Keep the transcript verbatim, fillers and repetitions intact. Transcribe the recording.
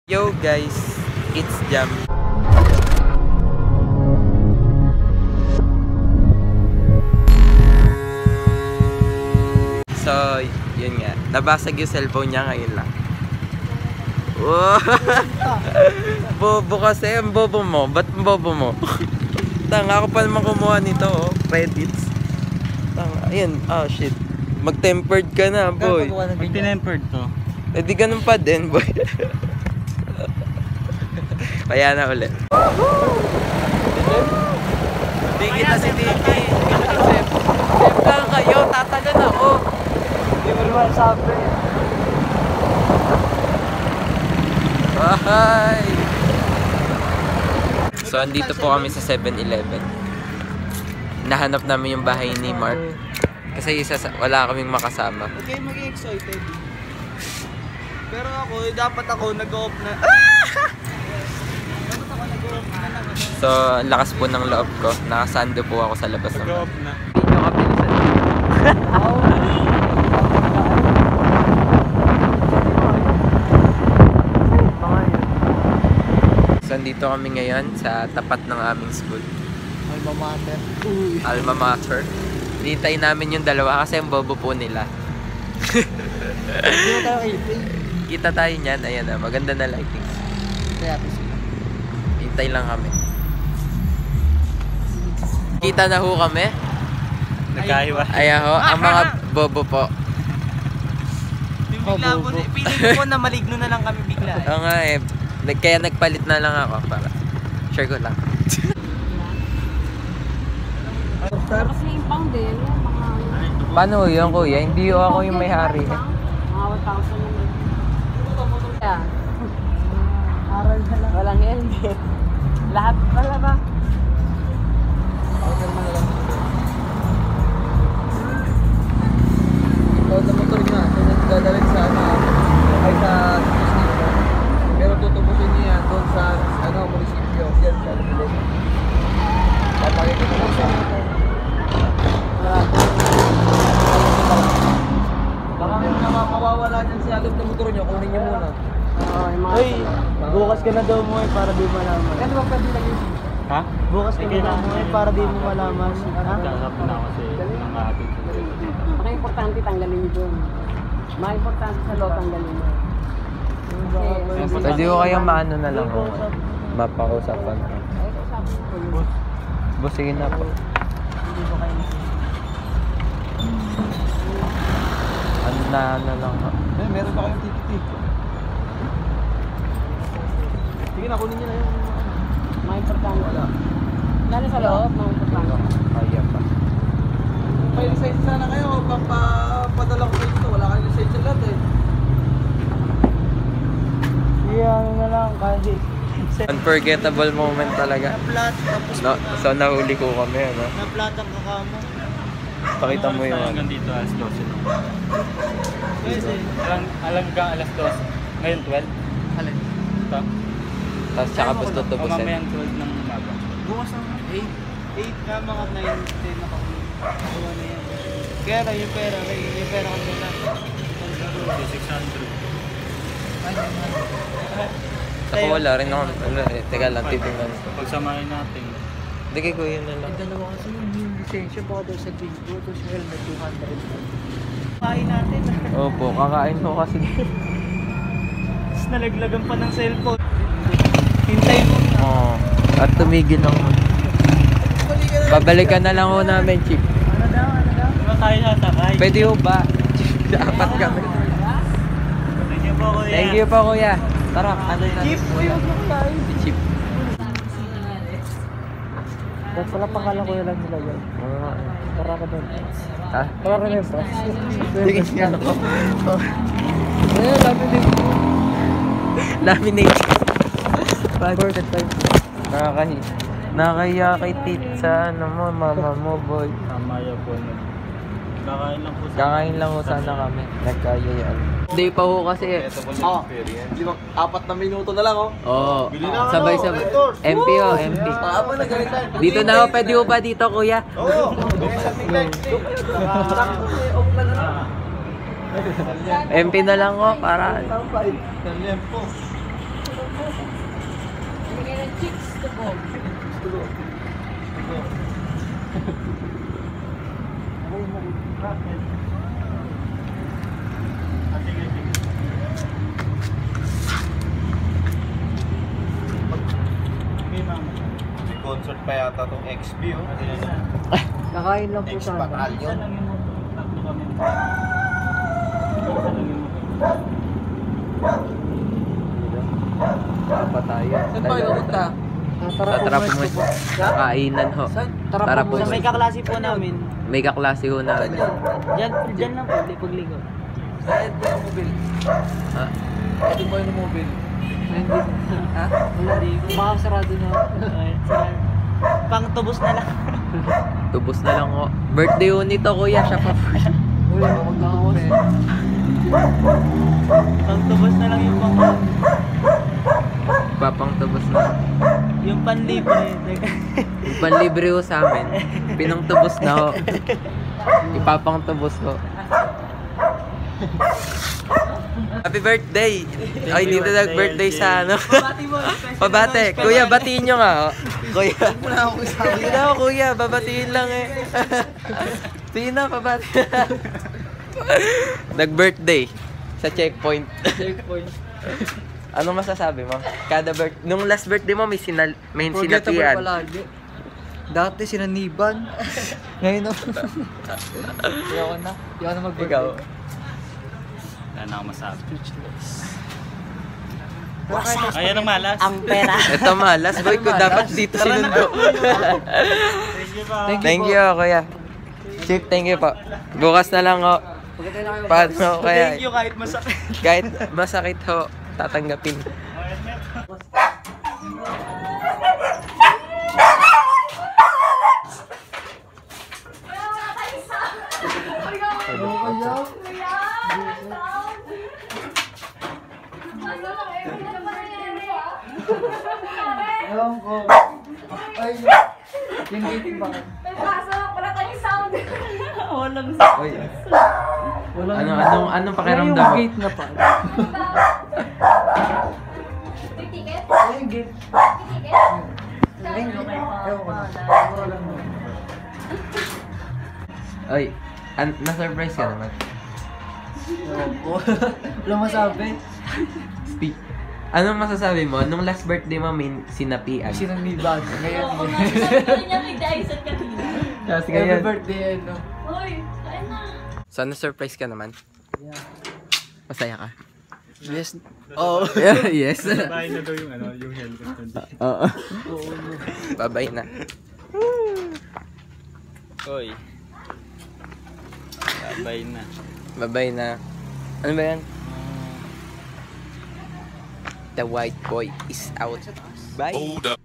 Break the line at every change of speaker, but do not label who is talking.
Yo guys, it's Jam. So, yun nga. Nabasag yung cellphone niya ngayon lang. Wow. Bobo kasi, ang bobo mo. Ba't ang bobo mo? Tanga, ako pa naman kumuha nito, oh. Credits. Tanga, ayun. Oh shit. Mag-tempered ka na, boy.
Pag tinempered to.
Eh di ganun pa din, boy. Kaya na ulit. Hindi kita si Tiki. Chef. Chef lang kayo, tatalan ako.
Hindi mo naman sabi.
Bye! So, andito po kami sa seven eleven. Nahanap namin yung bahay ni Mark. Kasi isa sa, wala kaming makasama.
Huwag kayo maging excited. Pero ako, dapat ako nag-off na. Dapat ako nag-off na lang.
So, ang lakas po ng loob ko. Nakasando po ako sa labas ng bahay.
Nag-off na.
Hindi nyo kapilisan. So, andito kami ngayon sa tapat ng aming school.
Alma mater.
Alma Mater. Hintay namin yung dalawa kasi ang bobo po nila.
Hindi mo tayo kaipin.
Kita tayo niyan. Ayan na, maganda na lighting.
Kaya ito sila.
Hintay lang kami. Kita na ho kami.
Nagkahiwa.
Ayan ho, ang mga bobo po.
Bigla po, piling ko na maligno na lang kami bigla.
Oo nga eh. Kaya nagpalit na lang ako para share ko lang.
Kasi yung pang din, mga...
Paano yun, kuya? Hindi ako yung may-hari.
Mga one thousand naman. Yeah. Aral na lang. Walang helmet. Lahat pala ba?
Ikaw sa motor niya, so nagdadalhin sa ano, ay sa munisipyo. Pero tutubusin niya yan doon sa ano, munisipyo. Yan sa Albilog. Papakita ko lang sa baka may mga mawawala dyan sa alog na motor niyo, kunin niyo muna.
Oo, yung mga...
Ay, bukas ka na daw mo eh, para di malaman. Kaya ba pwede lang yun? Ha? Bukas ka na daw mo eh, para di mo malaman. Ha? Kakapin ako kasi ng ating.
Maka-importante tanggalin niyo doon. Maka-importante sa lot tanggalin niyo. Kasi...
Pwede ko kayong maano na lang ho. Mapakausapan.
Ay, sabi ko yun.
Boss, sige na po.
Hindi ko kayo
Ano na ano lang ho.
Eh, meron ba kayong ticket? Sige na, kunin niyo na yung...
Maka-importante. Wala. Lalo sa loob, maka-importante.
Kaya pa.
May lisensya sana kayo, papadala ko kayo dito. Wala kayong lisensya lahat eh. Sige, ano na lang, kasi...
Unforgettable moment talaga.
Na-flat, tapos...
No, so nahuli ko kami, ano?
Na-flat ang kakamo.
Pakita mo yung ano.
Hanggang dito alas twelve.
Pwede.
Alang, alang ka alas twelve. Ngayon twelve.
Alin?
Ito.
Tapos tsaka basta
O
tutubusin.
mamayang twelve ng umaga.
Bukas na eight. eight ka mga nine, ten na kami. Kuha na yan. Kaya na yung pera, may- yung pera ko na.
six hundred.
Ako wala rin ako. Ano, eh, teka lang, titignan.
Pagsamahin natin.
Hindi kay kuya na lang.
Dalawa kasi yung lisensya baka daw sa bingo, tapos helmet two hundred. Kain natin.
Opo, kakain ko kasi.
Tapos nalaglagan pa ng cellphone. Hintay mo.
Oo. At tumigil lang. Babalikan na lang ho namin, Chip.
Ano daw, ano daw? Diba tayo sasakay?
Pwede ho ba? Dapat kami.
Thank you po, kuya.
Thank you po, kuya. Tara, ano na?
Chip, kuya, huwag mo tayo.
Si Chip.
Ba't pala pangalan ko lang nila yun?
Oo.
Tara ka doon.
Ha?
Tara ka doon, bro.
Sige, nga ako.
Eh, laminate.
Laminate.
Perfect time.
Nakakahi. Nakakaya kay tit sa ano mo, mama mo, boy.
Mamaya po. Kakain lang po sa...
Kakain lang ho sana kami. Nagkayayaan. Hindi pa ho kasi.
Oh, lima, apat na minuto na lang, oh.
Oo.
Bili na ako,
Sabay-sabay.
Hector.
M P ho, M P.
Paapa na ganito.
Dito na ho, pwede ho ba dito, kuya?
Oo.
M P na lang ho, para...
Talyan po.
Okay, ma'am.
May concert pa yata tong X B, oh.
Kakain lang po
X
sana.
Isa
Battalion.
lang yung motor. Tatlo kami. Isa lang yung motor.
Pa tayo.
Saan pa kayo pupunta?
Sa Tara po mo. Kainan ho.
Tara,
Tara
po.
po.
Sa may kaklase po namin.
May kaklase ho na.
Diyan, diyan lang po, di pagligo.
Saan po yung mobile?
Ha?
Ito po yung mobile. Hindi. Ha?
Wala rin.
Baka sarado na.
Ay, sarap. Pang tubos na lang.
Tubos na lang ho. Birthday ho nito kuya. Siya pa.
Uy, huwag na ako eh.
Pang tubos na lang yung pang
Papang tubos na.
yung panlibre.
Yung panlibre ho sa amin. Pinang tubos na ho. Ipapang tubos ho. Happy birthday! Ay, dito nag-birthday sa ano.
Pabati mo.
Pabate. Kuya, batiin nyo nga. Oh. Kuya.
Wala ako isabi.
Sige na ako, kuya. Babatiin lang eh. Sige na, pabati. Nag-birthday sa checkpoint.
Checkpoint.
Anong masasabi mo? Kada birth nung last birthday mo may sinal may
Forgettable
sinapian.
palagi. Dati sinaniban. Ngayon na. Ayoko na. Ayoko na mag-birthday.
Ikaw.
Wala na ako masabi.
Wasak.
Ayan ang malas.
Ang pera.
Ito malas boy ko dapat dito sinundo.
Thank you, ma'am.
Thank you
Thank
po.
you, kuya. Chief, thank you po. Bukas na lang ho.
Pagkatay na kayo.
Paano kaya?
Thank you kahit masakit.
Kahit masakit ho, tatanggapin.
Ewan ko. Ay, yung gating ba?
Walang
Oy. Ano anong anong pakiramdam mo?
Yung gate na pa.
Ticket?
Ay, yung gate.
Ticket?
Ay, ewan ko na. Wala mo.
Oy, an na-surprise ka naman.
Ewan ko. Wala masabi.
Speak. Anong masasabi mo? Nung last birthday mo may sinapian.
Sinaniban. Ngayon.
Oo, nasasabi niya nagdaisan kanina.
Kasi
Happy
ganyan.
birthday, ano.
Uy, kain na.
So, na-surprise ka naman?
Yeah.
Masaya ka?
Yes. Oh.
Yes.
Bahay na daw yung ano, yung helmet na dito.
Oo. Babay na.
Oy. Babay na.
Babay na. Ano ba yan? The white boy is out. Bye.
Hold up.